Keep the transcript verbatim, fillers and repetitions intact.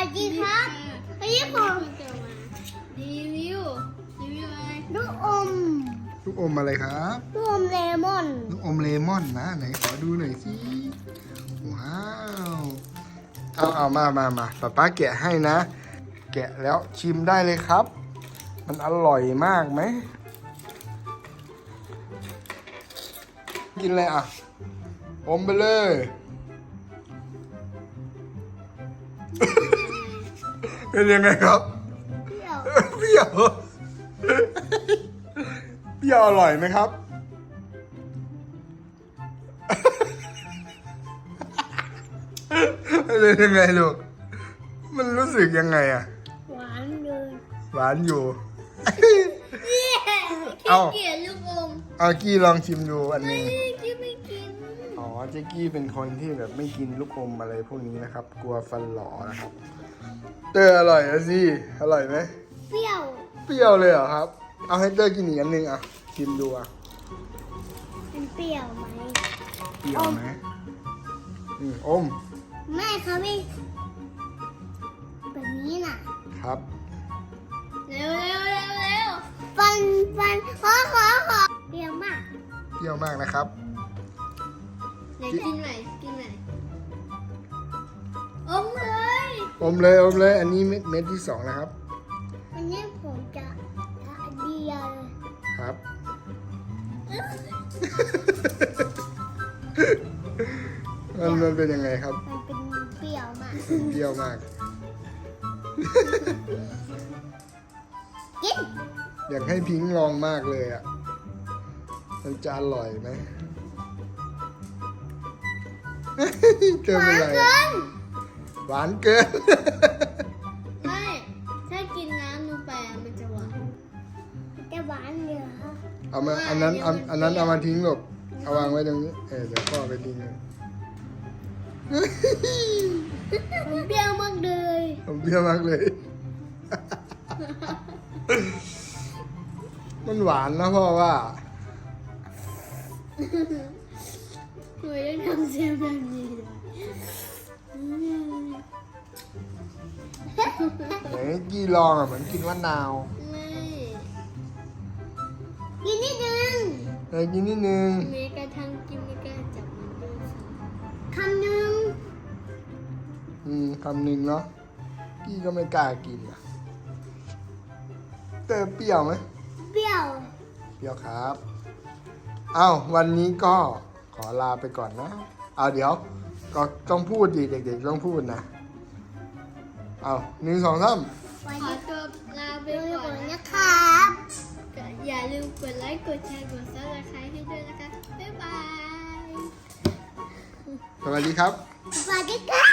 สดีครับวันนี้ผมจะมารีวิวรีวิวอะไรลูกอมลูกอมอะไรครับลูกอมเลมอนลูกอมเลมอนนะไหนขอดูหน่อยสิว้าวเอาเอามามามาป๊าป๊าแกะให้นะ แกะแล้วชิมได้เลยครับ มันอร่อยมากไหมกินอะไรอ่ะอมไปเลย เป็นยังไงครับเปรี้ยวเปรี้ยวเปรี้ยวอร่อยไหมครับเป็นยังไงลูกมันรู้สึกยังไงอะหวานเลยหวานอยู่ขี้เอาเกียจลูกอมเอากี้ลองชิมดูอันหไม่นึงกี้ไม่กินอ๋อเจ๊กี้เป็นคนที่แบบไม่กินลูกอมอะไรพวกนี้นะครับ กลัวฟันหลอนะครับเตอร์อร่อยนะสิอร่อยไหมเปรี้ยวเปรี้ยวเลยเหรอครับ เอาให้เตอร์กินอีกอันหนึงอ่ะชิมดูอ่ะมันเปรี้ยวไหมเปรี้ยวไหมอืมอมไม่เขาไม่แบบนี้น่ะครับเร็วเร็วเร็วเร็วฟันฟันขอขอขอเปรี้ยวมากเปรี้ยวมากนะครับเดี๋ยวกินใหม่กินใหม่อมเลยอมเลยอมเลย อันนี้เม็ดเม็ดที่สองนะครับวันนี้ผมจะอันเดียวเลยครับ มันมันเป็นยังไงครับมันเป็นเปรี้ยวมากเปรี้ยวมากกินอยากให้พิงค์ลองมากเลยอ่ะ มันจะอร่อยไหม เกินหไปวานเลยเกินหวานเกินไม่ถ้ากินน้ำลงไปอะมันจะหวานจะหวานเหรอเอามาอันนั้นเอาอันนั้นเอามาทิ้งหลบเอาวางไว้ตรงนี้ เออเดี๋ยวพ่อไปทิ้งเลยมันเปรี้ยวมากเลยผมเปรี้ยวมากเลย มันหวานนะพ่อว่าทำไมต้องทำเสียงแบบนี้ด้วยอืมไหนกี้ลองอ่ะเหมือนกินมะนาวไม่กินนิดนึงไหนกินนิดนึงแม้กระทั่งกินไม่กล้าจับมันด้วยซ้คำหนึ่งอืมคำหนึ่งเนาะกี้ก็ไม่กล้ากินอ่ะแต่เปรี้ยวไหมเปรี้ยวเปรี้ยวครับเอ้าวันนี้ก็ขอลาไปก่อนนะเอาเดี๋ยว ก็ต้องพูดดิเด็กๆต้องพูดนะเอาหนึ่งสองสามวันำขอนี้ตัวลาไปดูก่อนก่อนนะนะครับอย่าลืมกดไลค์ กดแชร์ กดซับสไครต์ให้ด้วยนะคะ บ๊ายบายสวัสดีครับสวัสดีครับ